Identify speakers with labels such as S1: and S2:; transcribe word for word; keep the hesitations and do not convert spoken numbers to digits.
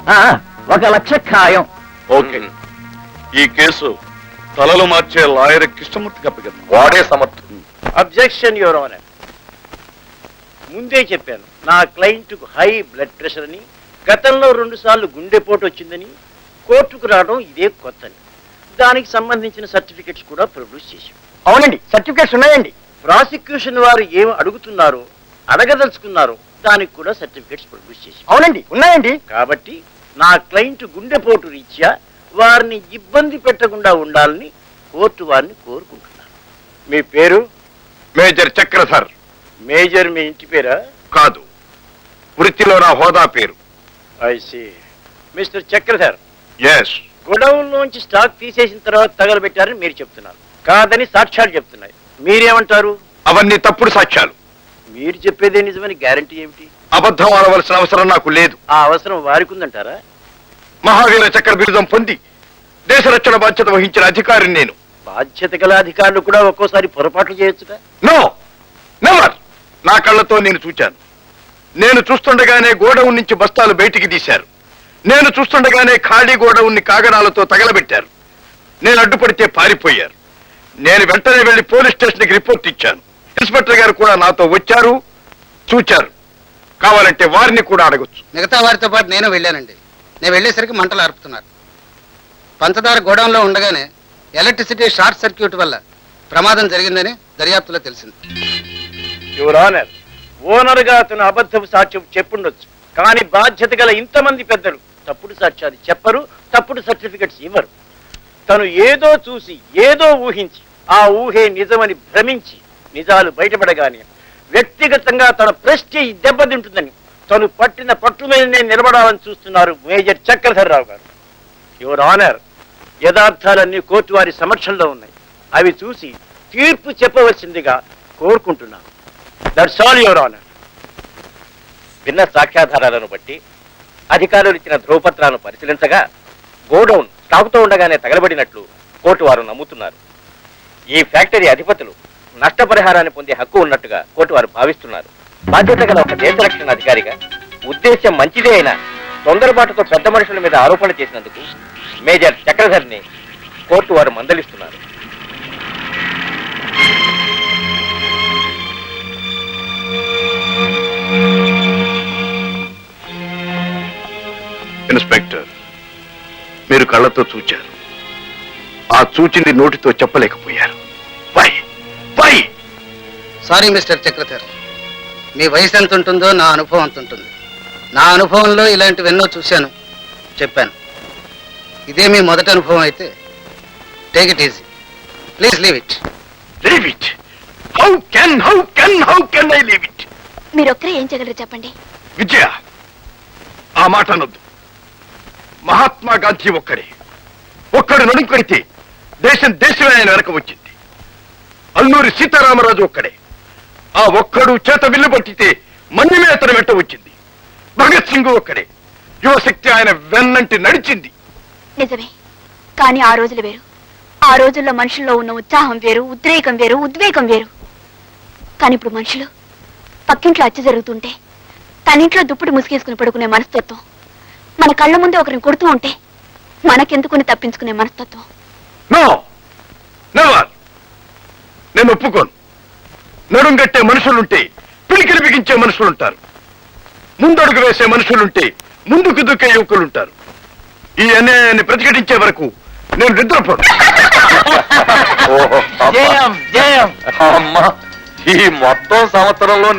S1: ఒక లక్ష ఖాయం.
S2: ఓకే, ఈ కేసు తలలు మార్చే లాయర్ కృష్ణమూర్తికి అప్పగిద్దాం.
S3: వాడే సమర్థుడు.
S4: Objection your honour. ముందే చెప్పాను, నా క్లయింట్కు హై బ్లడ్ ప్రెషర్ అని, గతంలో రెండు సార్లు గుండెపోటు వచ్చిందని, కోర్టుకు రావడం ఇదే కొత్తని. దానికి సంబంధించిన సర్టిఫికెట్స్ కూడా ప్రొడ్యూస్ చేశాం.
S1: అవునండి, సర్టిఫికేట్స్ ఉన్నాయండి.
S4: ప్రాసిక్యూషన్ వారు ఏం అడుగుతున్నారో, అడగదలుచుకున్నారో దానికి కూడా సర్టిఫికెట్స్ ప్రొడ్యూస్ చేశాం.
S1: అవునండి, ఉన్నాయండి.
S4: కాబట్టి నా క్లయింట్ గుండెపోటు రీత్యా వారిని ఇబ్బంది పెట్టకుండా ఉండాలని కోర్టు వారిని కోరుకుంటున్నాను. మీ పేరు?
S3: మేజర్ చక్రధర్.
S4: మేజర్ మీ ఇంటి పేరా?
S3: కాదు, వృత్తిలో నా హోదా పేరు.
S4: I see. Mister Chakradhar,
S3: yes.
S4: Godown లోంచి స్టాక్ తీసేసిన తర్వాత తగలబెట్టారని మీరు చెప్తున్నారు. కాదని సాక్ష్యాలు చెప్తున్నాయి. మీరేమంటారు?
S3: అవన్నీ తప్పుడు సాక్ష్యాలు.
S4: మీరు చెప్పేదే నిజమని గ్యారంటీ ఏమిటి?
S3: అబద్ధం ఆడవలసిన అవసరం నాకు లేదు.
S4: ఆ అవసరం వారికి ఉందంటారా?
S3: మహావీర చక్ర బిరుదం పొంది దేశ రక్షణ బాధ్యత వహించిన అధికారిని నేను.
S4: బాధ్యత గల అధికారులు కూడా ఒక్కోసారి పొరపాట్లు చేయొచ్చుగా.
S3: No, never. నా కళ్ళతో నేను చూచాను. నేను చూస్తుండగానే గోడౌన్ నుంచి బస్తాలు బయటికి తీశారు. నేను చూస్తుండగానే ఖాళీ గోడౌన్ని కాగడాలతో తగలబెట్టారు. నేను అడ్డుపడితే పారిపోయారు. నేను వెంటనే వెళ్లి పోలీస్ స్టేషన్కి రిపోర్ట్ ఇచ్చాను. ఇన్స్పెక్టర్ గారు కూడా నాతో వచ్చారు, చూచారు. కావాలంటే వారిని కూడా అడగొచ్చు.
S5: మిగతా వారితో పాటు నేను వెళ్ళానండి. నేను వెళ్ళేసరికి మంటలు ఆర్పుతున్నారు. పంచదార గోడౌన్లో ఉండగానే ఎలక్ట్రిసిటీ షార్ట్ సర్క్యూట్ వల్ల ప్రమాదం జరిగిందని దర్యాప్తులో తెలిసింది.
S4: యువర్ ఆనర్, ఓనర్ గా అతను అబద్ధపు సాక్ష్యం చెప్పుండొచ్చు, కానీ బాధ్యత గల ఇంతమంది పెద్దలు తప్పుడు సాక్ష్యాలు చెప్పరు, తప్పుడు సర్టిఫికెట్స్ ఇవ్వరు. తను ఏదో చూసి ఏదో ఊహించి ఆ ఊహే నిజమని భ్రమించి నిజాలు బయటపడగానే వ్యక్తిగతంగా తన ప్రెస్టీజ్ దెబ్బతింటుందని తను పట్టిన పట్టు మీదనే నిలబడాలని చూస్తున్నారు మేజర్ చక్రధర్ రావు గారు. యువర్ ఆనర్, యథార్థాలన్నీ కోర్టు వారి సమక్షంలో ఉన్నాయి. అవి చూసి తీర్పు చెప్పవలసిందిగా కోరుకుంటున్నాను. That's all your honour.
S6: విన్న సాక్ష్యాధారాలను బట్టి అధికారులు ఇచ్చిన ధ్రువపత్రాలను పరిశీలించగా గోడౌన్ స్టాకుతో ఉండగానే తగలబడినట్లు కోర్టు వారు నమ్ముతున్నారు. ఈ ఫ్యాక్టరీ అధిపతులు నష్టపరిహారాన్ని పొందే హక్కు ఉన్నట్టుగా కోర్టు వారు భావిస్తున్నారు. బాధ్యత గల ఒక దేశ రక్షణ అధికారిగా ఉద్దేశ్యం మంచిదే అయినా తొందరపాటుతో పెద్ద మనుషుల మీద ఆరోపణ చేసినందుకు మేజర్ చక్రధర్ని కోర్టు వారు మందలిస్తున్నారు.
S3: ఇన్స్పెక్టర్, మీరు కళ్ళతో చూచారు. ఆ చూచింది నోటితో చెప్పలేకపోయారు. Why why
S5: sorry mister Chakradhar, మీ వయసు ఎంత ఉంటుందో నా అనుభవం అంత ఉంటుంది. నా అనుభవంలో ఇలాంటివెన్నో చూశాను, చెప్పాను. ఇదే మీ మొదటి అనుభవం అయితే take it easy. Please leave it.
S3: Leave it? How can how can how can I leave it?
S7: మీరొక్కరే ఏం చేయగలరు చెప్పండి.
S3: విజయ, ఆ మాట అనొద్దు. మహాత్మా గాంధీ ఒక్కడే. ఒక్కడు నడుంకొడితే దేశం దేశమే ఆయన వెనక వచ్చింది. అల్లూరి సీతారామరాజు ఒక్కడే. ఆ ఒక్కడు చేత విల్లు పట్టితే మన్యమే అతను వెంట వచ్చింది. భగత్ సింగ్ ఒక్కడే. యువశక్తి ఆయన వెన్నంటి నడిచింది.
S7: నిజమే, కానీ ఆ రోజులు వేరు. ఆ రోజుల్లో మనుషుల్లో ఉన్న ఉత్సాహం వేరు, ఉద్రేకం వేరు, ఉద్వేగం వేరు. కానీ ఇప్పుడు మనుషులు పక్కింట్లో అచ్చ జరుగుతుంటే తనింట్లో దుప్పటి ముసుగేసుకుని పడుకునే మనస్తత్వం, మన కళ్ళ ముందే ఒకరిని కొడుతూ ఉంటే మనకెందుకుని తప్పించుకునే మనస్తత్వం.
S3: No never. నేను ఒప్పుకోను. నడుంగట్టే మనుషులుంటే పిలికిలి బిగించే మనుషులుంటారు. ముందడుగు వేసే మనుషులుంటే ముందుకు దుక్కే యువకులుంటారు. ఈ అన్యాయాన్ని ప్రతిఘటించే వరకు నేను నిద్రపోను.
S2: ఈ మొత్తం సంవత్సరంలో